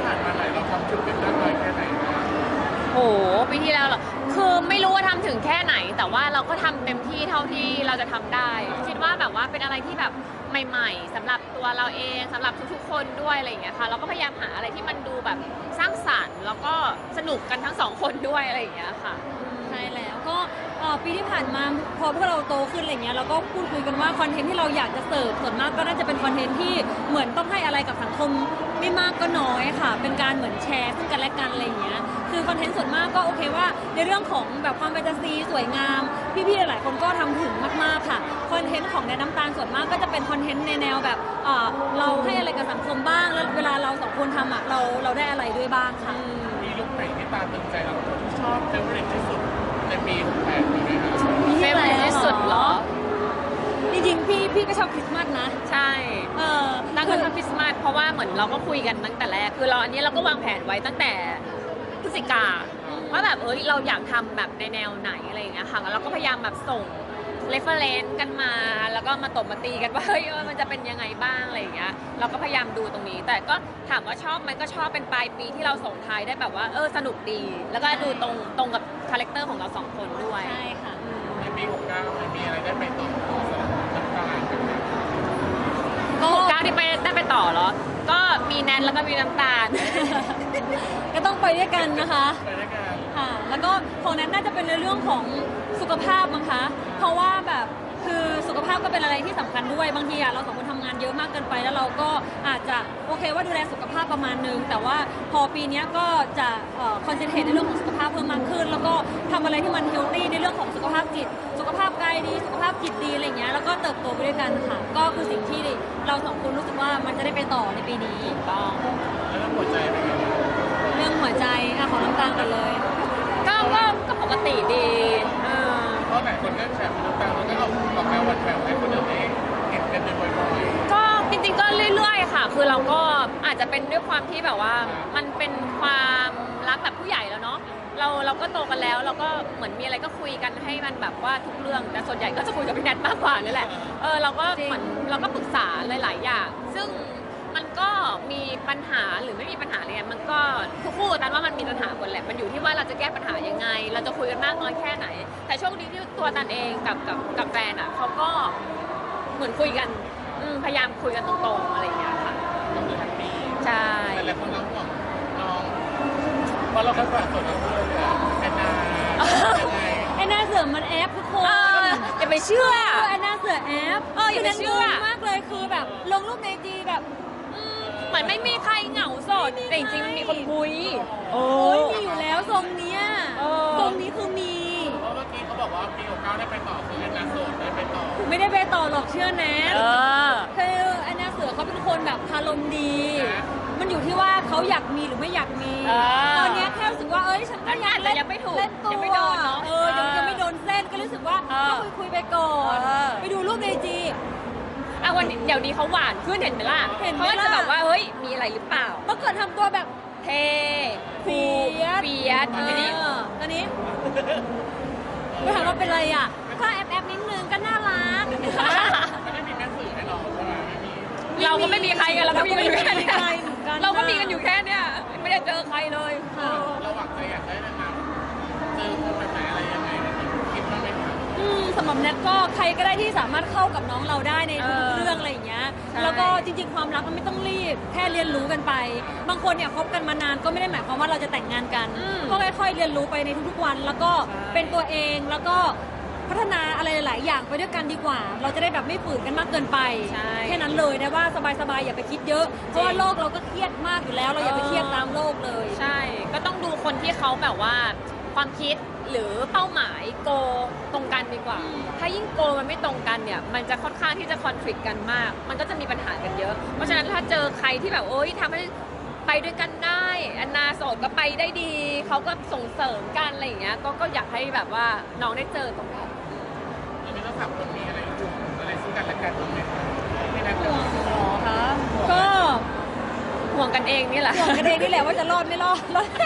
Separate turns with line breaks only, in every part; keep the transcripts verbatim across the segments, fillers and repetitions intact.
ผ่านมาไหนเราทำจุดเป็นมากน้อยแค่ไหน
โหปีที่แล้วเหรอคือไม่รู้ว่าทำถึงแค่ไหน แต่ว่าเราก็ทำเต็มที่เท่าที่เราจะทำได้ คิดว่าแบบว่าเป็นอะไรที่แบบใหม่ๆสำหรับตัวเราเองสำหรับทุกๆคนด้วยอะไรอย่างเงี้ยค่ะเราก็พยายามหาอะไรที่มันดูแบบสร้างสรรค์แล้วก็สนุกกันทั้งสองคนด้วยอะไรอย่างเงี้ยค่ะ
ใช่แล้วก็ปีที่ผ่านมาพอพวกเราโตขึ้นอะไรเงี้ยเราก็พูดคุยกันว่าคอนเทนต์ที่เราอยากจะเสิร์ฟส่วนมากก็น่าจะเป็นคอนเทนต์ที่เหมือนต้องให้อะไรกับสังคมไม่มากก็น้อยค่ะเป็นการเหมือนแชร์ซึ่งกันและกันอะไรเงี้ยคือคอนเทนต์ส่วนมากก็โอเคว่าในเรื่องของแบบความแฟนตาซีสวยงามพี่ๆหลายคนก็ทำถึงมากๆค่ะคอนเทนต์ของแนนน้ำตาลส่วนมากก็จะเป็นคอนเทนต์ในแนวแบบเราให้อะไรกับสังคมบ้างแล้วเวลาเราสองคนทำอ่ะเราเราได้อะไรด้วยบ้างค่ะ
มีลุคไหนที่ตาตึงใจเราที่ชอบเฟเวอร์ที่สุดในปีหกแปดนี้ไหมครับ
เฟเวอร์ที่สุดเหรอ
จริงๆพี่พี่ก็ชอบคริสต์มาสนะ
ใช่เออตั้งแต่ชอบคริสต์มาสเพราะว่าเหมือนเราก็คุยกันตั้งแต่แรกคือเราอันนี้เราก็วางแผนไว้ตั้งแต่พฤศจิกาว่าแบบเอ้ยเราอยากทำแบบในแนวไหนอะไรอย่างเงี้ยค่ะแล้วเราก็พยายามแบบส่งเรฟเฟอเรนซ์กันมาแล้วก็มาตบมาตีกันว่าเฮ้ยมันจะเป็นยังไงบ้างอะไรอย่างเงี้ยเราก็พยายามดูตรงนี้แต่ก็ถามว่าชอบไหมก็ชอบเป็นปลายปีที่เราส่งท้ายได้แบบว่าเออสนุกดีแล้วก็ดูตรงตรงกับคาแรคเตอร์ของเราสองคนด้วย
ใช่ค่ะ
ในปีหกเก้ามีอะไรได้ไปต่อน้ำตาลกันไหม
ก็หกเก้าที่ไปได้ไปต่อเหรอก็มีแนนแล้วก็มีน้ำตาล
ก็ต้องไปด้วยกันนะคะ
ไปด้วยกัน
ค่ะแล้วก็ของแนนน่าจะเป็นในเรื่องของสุขภาพมั้งคะเพราะว่าแบบคือสุขภาพก็เป็นอะไรที่สำคัญด้วยบางทีอะเราสองคนทำงานเยอะมากเกินไปแล้วเราก็อาจจะโอเคว่าดูแลสุขภาพประมาณนึงแต่ว่าพอปีนี้ก็จะคอนเซนเทรตในเรื่องของสุขภาพเพิ่มมากขึ้นแล้วก็ทำอะไรที่มันเฮลตี้ในเรื่องของสุขภาพจิตสุขภาพกายดีสุขภาพจิตดีอะไรเงี้ยแล้วก็เติบโตไปด้วยกันค่ะก็คือสิ่งที่เราสองคนรู้สึกว่ามันจะได้ไปต่อในปีนี้
ต้อง
แล้วเรื่องหัวใจเป็นไง
เรื่องหัวใจอะของน้ำตาลกันเลย
ก็ก็ก็ปกติดี
เพราะหลายคนก็แชร์น้ำตาลแล้วก็เอาออกมาวันแฝงให้คนอื่นเองเห็นกันบ่อย
ๆก็จริงๆก็เรื่อยๆค่ะคือเราก็อาจจะเป็นด้วยความที่แบบว่ามันเป็นความรักแบบผู้ใหญ่แล้วเนาะเราเราก็โตกันแล้วเราก็เหมือนมีอะไรก็คุยกันให้มันแบบว่าทุกเรื่องแต่ส่วนใหญ่ก็จะคุยกับพี่แนทมากกว่านี่แหละเออเราก็เหมือนเราก็ปรึกษาหลายๆอย่างซึ่งมันก็มีปัญหาหรือไม่มีปัญหาอะไรเงี้ยมันก็ทุกคู่ตันว่ามันมีปัญหาหมดแหละมันอยู่ที่ว่าเราจะแก้ปัญหายังไงเราจะคุยกันมากน้อยแค่ไหนแต่โชคดีที่ตัวตันเองกับกับกับแฟนอ่ะเขาก็เหมือนคุยกันพยายามคุยกันตรงๆอะไรอย่างเงี้ยค่ะใช่
แต่หลายคนเราห่วงน้องเพราะเราก็ผ่านส่วนนั้นด้วยแอนนา
แอนนาเสือมันแอปทุกคน
อย่าไปเชื่อ
แอนนาเสือแอป
เอออย่าไปเชื่อ
มากเลยคือแบบลงรูปในจีแบบ
เหมือนไม่มีใครเหงาโสดแต่จริงๆมันมีคนคุย
โอ้ยมีอยู่แล้วทรงเนี้ยทรงนี้คือมี
เพราะเมื่อกี้เขาบอกว่าปีหกเก้าได้ไปต่อคือแอนนาโสดได้ไปต่อ
ไม่ได้ไปต่อหรอกเชื่อแนทคือแอนนาเสือเขาเป็นคนแบบคารมดีมันอยู่ที่ว่าเขาอยากมีหรือไม่อยากมีตอนนี้แค่รู้สึกว่าเอ้ยฉันก็อยากเล่น
ยังไม่ถูก
เล่นตัว
ยังไม่โดนเนาะ
เออยังไม่โดนเส้นก็รู้สึกว่าก็คุยคุยไปก่อนไปดูรูปในจี
อ่ะวันเดี๋ยวนี้เขาหวานขึ้นเห็นไหมล่ะเห็นไหมล่ะเขาจะแบบว่าเฮ้ยมีอะไรหรือเปล่า
เมื่อก่อนทำตัวแบบ
เท่คูเฟียส
ตอนนี้ตอนนี้ไม่ถามว่าเป็นอะไรอ่ะก็แอบแอบนิดนึงก็น่ารัก
ไม่ได้มีแม่สื่อให้เราใช่ไหม
เราก็ไม่มีใครกันเราก็มีกันอยู่แค่นี้เราก็มีกันอยู่แค่เนี้ยไม่ได้เจอใครเลย
เราหวังใจอยากได้นะครับเจอคนแบบไหนอะไรยังไงคิดว่าไม่ทัน
สำหรับแนทก็ใครก็ได้ที่สามารถเข้ากับน้องเราได้ในทุกเรื่องอะไรอย่างเงี้ยแล้วก็จริงๆความรักมันไม่ต้องรีบแค่เรียนรู้กันไปบางคนเนี่ยคบกันมานานก็ไม่ได้หมายความว่าเราจะแต่งงานกันก็ค่อยๆเรียนรู้ไปในทุกๆวันแล้วก็เป็นตัวเองแล้วก็พัฒนาอะไรหลายอย่างไปด้วยกันดีกว่าเราจะได้แบบไม่ฝืนกันมากเกินไปแค่นั้นเลยนะว่าสบายๆอย่าไปคิดเยอะเพราะว่าโลกเราก็เครียดมากอยู่แล้วเราอย่าไปเครียดตามโลกเลย
ใช่ก็ต้องดูคนที่เขาแบบว่าความคิดหรือเป้าหมายโกตรงกันดีกว่าถ้ายิ่งโกมันไม่ตรงกันเนี่ยมันจะค่อนข้างที่จะคอนฟ lict กันมากมันก็จะมีปัญหากันเยอะเพราะฉะนั้นถ้าเจอใครที่แบบโอ๊ยทำให้ไปด้วยกันได้อันนาโสดก็ไปได้ดีเขาก็ส่งเสริมกันอะไรอย่างเงี้ยก็ก็อยากให้แบบว่าน้องได้เจอตรงนั้น
เราไม่ต้องถามคนมีอะไรอยู่อะไรซึ่งกันและกันตรงไหนไม่ได้ห่
วงหรอคะก็
ห่วงกันเองนี่แหละ
ห่วงกันเองนี่แหละว่าจะรอดไม่รอด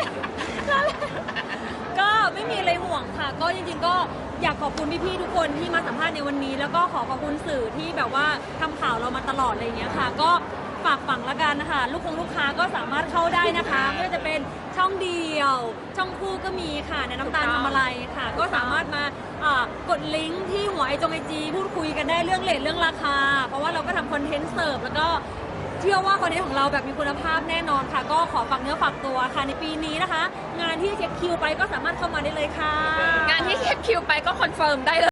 ก็ไม่มีอะไรห่วงค่ะก็จริงๆก็อยากขอบคุณพี่ๆทุกคนที่มาสัมภาษณ์ในวันนี้แล้วก็ขอขอบคุณสื่อที่แบบว่าทำข่าวเรามาตลอดอะไรอย่างเงี้ยค่ะก็ฝากฝังละกันนะคะลูกคงลูกค้าก็สามารถเข้าได้นะคะไม่ว่าจะเป็นช่องเดียว ช่องคู่ก็มีค่ะในน้ำตาลทำอะไรค่ะ ก็สามารถมาอ่ากดลิงก์ที่หัวไอจงไอจีพูดคุยกันได้เรื่องเรทเรื่องราคา เพราะว่าเราก็ทำคอนเทนต์เสิร์ฟแล้วก็เชื่อว่าคอนเทนต์ของเราแบบมีคุณภาพแน่นอนค่ะ ก็ขอฝากเนื้อฝากตัวค่ะในปีนี้นะคะ งานที่เช็คคิวไปก็สามารถเข้ามาได้เลยค่ะ
งานที่เช็คคิวไปก็คอนเฟิร์มได้เลย